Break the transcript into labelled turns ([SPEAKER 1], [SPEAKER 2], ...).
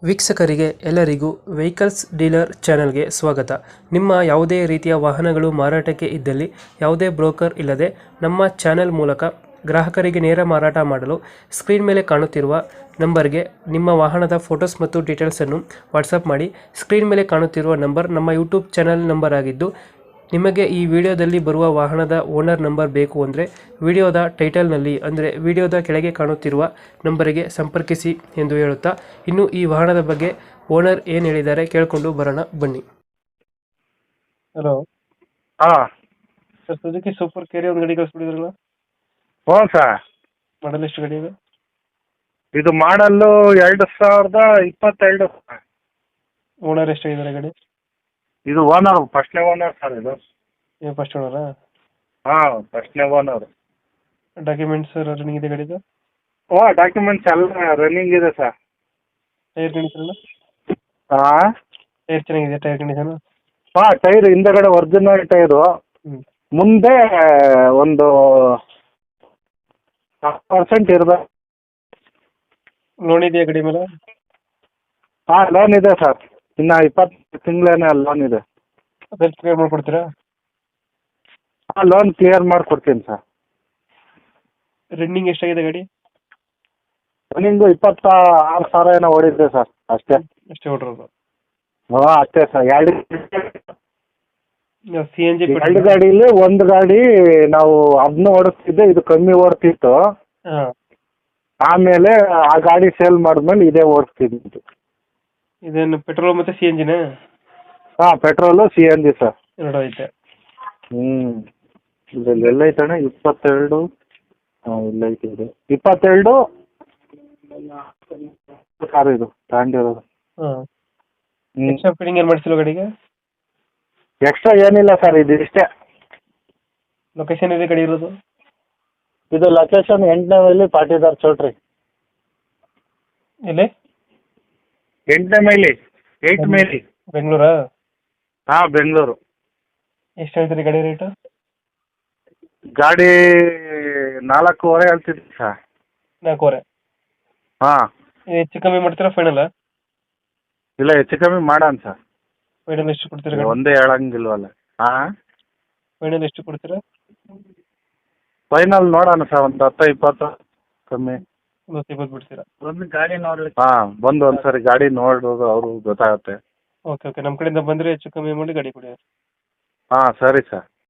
[SPEAKER 1] ವೀಕ್ಷಕರಿಗೆ ಎಲ್ಲರಿಗೂ vehicles dealer ಚಾನೆಲ್ಗೆ ಸ್ವಾಗತ. ನಿಮ್ಮ ಯಾವುದೇ ರೀತಿಯ ವಾಹನಗಳು ಮಾರಾಟಕ್ಕೆ ಇದ್ದಲ್ಲಿ ಯಾವುದೇ ಬ್ರೋಕರ್ ಇಲ್ಲದೆ ನಮ್ಮ ಚಾನೆಲ್ ಮೂಲಕ ಗ್ರಾಹಕರಿಗೆ ನೇರ ಮಾರಾಟ ಮಾಡಲು ಸ್ಕ್ರೀನ್ ಮೇಲೆ ಕಾಣುತ್ತಿರುವ ನಂಬರ್ಗೆ ನಿಮ್ಮ ವಾಹನದ ಫೋಟೋಸ್ ಮತ್ತು ಡೀಟೇಲ್ಸನ್ನು ವಾಟ್ಸಪ್ ಮಾಡಿ. ಸ್ಕ್ರೀನ್ ಮೇಲೆ ಕಾಣುತ್ತಿರುವ ನಂಬರ್ ನಮ್ಮ ಯೂಟ್ಯೂಬ್ ಚಾನೆಲ್ ನಂಬರ್ ಆಗಿದ್ದು, ನಿಮಗೆ ಈ ವಿಡಿಯೋದಲ್ಲಿ ಬರುವ ವಾಹನದ ಓನರ್ ನಂಬರ್ ಬೇಕು ಅಂದರೆ ವಿಡಿಯೋದ ಟೈಟಲ್ನಲ್ಲಿ ಅಂದರೆ ವಿಡಿಯೋದ ಕೆಳಗೆ ಕಾಣುತ್ತಿರುವ ನಂಬರಿಗೆ ಸಂಪರ್ಕಿಸಿ ಎಂದು ಹೇಳುತ್ತಾ, ಇನ್ನು ಈ ವಾಹನದ ಬಗ್ಗೆ ಓನರ್ ಏನು ಹೇಳಿದ್ದಾರೆ ಕೇಳಿಕೊಂಡು ಬರೋಣ ಬನ್ನಿ. ಹಲೋ
[SPEAKER 2] ಹಾ
[SPEAKER 1] ಸರ್, ಸುಜುಕಿ ಸೂಪರ್ ಕೇರಿ ಒಂದು ಗಾಡಿ ಕಳಿಸ್ಬಿಟ್ಟಿದ್ರಲ್ಲ,
[SPEAKER 2] ಹ್ಞೂ ಸರ್.
[SPEAKER 1] ಮಾಡಲ್ ಎಷ್ಟು ಗಾಡಿ ಇದೆ?
[SPEAKER 2] ಇದು ಮಾಡಲ್ಲು 2022 ಸರ್.
[SPEAKER 1] ಓನರ್ ಎಷ್ಟಾಗಿದ್ದಾರೆ ಗಾಡಿ?
[SPEAKER 2] ಇದು ಓನರ್ ಫಸ್ಟ್ನೇ ಓನರ್ ಸರ್. ಇದು
[SPEAKER 1] ಫಸ್ಟ್ ಓನರಾ?
[SPEAKER 2] ಹಾಂ, ಫಸ್ಟ್ನೇ ಓನರ್.
[SPEAKER 1] ಡಾಕ್ಯುಮೆಂಟ್ಸ್ ರನ್ನಿಂಗ್ ಇದೆ ಗಾಡಿದು?
[SPEAKER 2] ಓ, ಡಾಕ್ಯುಮೆಂಟ್ಸ್ ಎಲ್ಲ ರನ್ನಿಂಗ್ ಇದೆ ಸರ್.
[SPEAKER 1] Tyre condition?
[SPEAKER 2] ಹಾಂ
[SPEAKER 1] ಟೈರ್ ಚೆನ್ನಾಗಿದೆ, ಟೈರ್ ಕಂಡೀಷನ್?
[SPEAKER 2] ಹಾಂ, ಟೈರ್ ಹಿಂದಗಡೆ ಒರಿಜಿನಲ್ ಟೈರು. ಮುಂದೆ ಒಂದು 10% ಇರಬೇಕು.
[SPEAKER 1] ಲೋನ್ ಇದೆಯಾ ಗಾಡಿ ಮೇಲೆ?
[SPEAKER 2] ಹಾಂ, ಲೋನ್ ಇದೆ ಸರ್. ಇನ್ನು 20 ತಿಂಗಳೇನೆ ಲೋನ್ ಇದೆ.
[SPEAKER 1] ಅದೆಲ್ಲ ಕ್ಲಿಯರ್ ಮಾಡ್ಕೊಡ್ತೀರಾ?
[SPEAKER 2] ಹಾಂ, ಲೋನ್ ಕ್ಲಿಯರ್ ಮಾಡಿಕೊಡ್ತೀನಿ ಸರ್.
[SPEAKER 1] ರನ್ನಿಂಗ್ ಎಷ್ಟಾಗಿದೆ ಗಾಡಿ?
[SPEAKER 2] ರನ್ನಿಂಗು 26,000 ಏನೋ ಓಡಿದೆ ಸರ್, ಅಷ್ಟೇ.
[SPEAKER 1] ಅಷ್ಟೇ ಹೊಡ್ರೋದು?
[SPEAKER 2] ಹಾಂ, ಅಷ್ಟೇ ಸರ್.
[SPEAKER 1] ಸಿ ಎನ್ ಜಿ
[SPEAKER 2] ಎರಡು ಗಾಡೀಲಿ ಒಂದು ಗಾಡಿ ನಾವು ಅದನ್ನ ಓಡಿಸ್ತಿದ್ದೆ, ಇದು ಕಮ್ಮಿ ಓಡ್ತಿತ್ತು.
[SPEAKER 1] ಹಾಂ.
[SPEAKER 2] ಆಮೇಲೆ ಆ ಗಾಡಿ ಸೇಲ್ ಮಾಡಿದ್ಮೇಲೆ ಇದೇ ಓಡಿಸ್ತಿದ್ದು.
[SPEAKER 1] ಇದೇನು ಪೆಟ್ರೋಲ್ ಮತ್ತು ಸಿ ಎನ್ ಜಿನೇ?
[SPEAKER 2] ಹಾಂ, ಪೆಟ್ರೋಲು CNG ಸರ್.
[SPEAKER 1] ಎರಡು ಐತೆ.
[SPEAKER 2] ಇದರಲ್ಲಿ ಎಲ್ಲೈತಣ್ಣ? 22. ಹಾಂ, ಇಲ್ಲೈತೆ. ಇದು 22 ಸರ್. ಇದು ತಗೊಂಡಿರೋದು.
[SPEAKER 1] ಹಾಂ. ಎಕ್ಸ್ಟ್ರಾ ಫಿಟ್ಟಿಂಗ್ ಏನು ಮಾಡಿಸಿಲ್ಲ ಗಾಡಿಗೆ?
[SPEAKER 2] ಎಕ್ಸ್ಟ್ರಾ ಏನಿಲ್ಲ ಸರ್, ಇದು ಇಷ್ಟೇ.
[SPEAKER 1] ಲೊಕೇಶನ್ ಇದೆ ಗಾಡಿ ಇರೋದು?
[SPEAKER 2] ಇದು ಲೊಕೇಶನ್ 8ನೇ ಮೈಲಿ ಪಾಟೀದಾರ್ ಚೌಟ್ರಿ.
[SPEAKER 1] ಎಲ್ಲಿ?
[SPEAKER 2] 8ನೇ ಮೈಲಿ, 8 ಮೈಲಿ.
[SPEAKER 1] ಬೆಂಗಳೂರಾ?
[SPEAKER 2] ಹಾಂ, ಬೆಂಗಳೂರು.
[SPEAKER 1] ಎಷ್ಟು ಹೇಳ್ತೀರಿ ಗಾಡಿ ರೇಟು?
[SPEAKER 2] ಗಾಡಿ 4.5 ಹೇಳ್ತಿದ್ವಿ ಸರ್.
[SPEAKER 1] 4.5?
[SPEAKER 2] ಹಾಂ.
[SPEAKER 1] ಹೆಚ್ಚು ಕಮ್ಮಿ ಮಾಡ್ತೀರಾ ಫೈನಲ್?
[SPEAKER 2] ಇಲ್ಲ, ಹೆಚ್ಚು ಕಮ್ಮಿ ಮಾಡೋಣ ಸರ್.
[SPEAKER 1] ಫೈನಲ್ ಎಷ್ಟು ಕೊಡ್ತೀರಾ ಗಾಡಿ?
[SPEAKER 2] ಒಂದೇ ಹೇಳಂಗಿಲ್ವಲ್ಲ. ಹಾಂ,
[SPEAKER 1] ಫೈನಲ್ ಎಷ್ಟು ಕೊಡ್ತೀರಾ?
[SPEAKER 2] ಫೈನಲ್ ನೋಡೋಣ ಸರ್, ಒಂದು 10-20 ಕಮ್ಮಿ.
[SPEAKER 1] 20 ಬಿಡ್ತೀರಾ?
[SPEAKER 2] ಒಂದು ಗಾಡಿ ನೋಡ್ಲಿಕ್ಕೆ. ಹಾಂ, ಬಂದು ಒಂದ್ಸರಿ ಗಾಡಿ ನೋಡೋದು ಅವ್ರಿಗೆ ಗೊತ್ತಾಗುತ್ತೆ.
[SPEAKER 1] ಓಕೆ ಓಕೆ, ನಮ್ಮ ಕಡೆಯಿಂದ ಬಂದರೆ ಹೆಚ್ಚು ಕಮ್ಮಿ ಮಾಡಿ ಗಾಡಿ ಕೊಡಿ.
[SPEAKER 2] ಹಾಂ, ಸರಿ ಸರ್.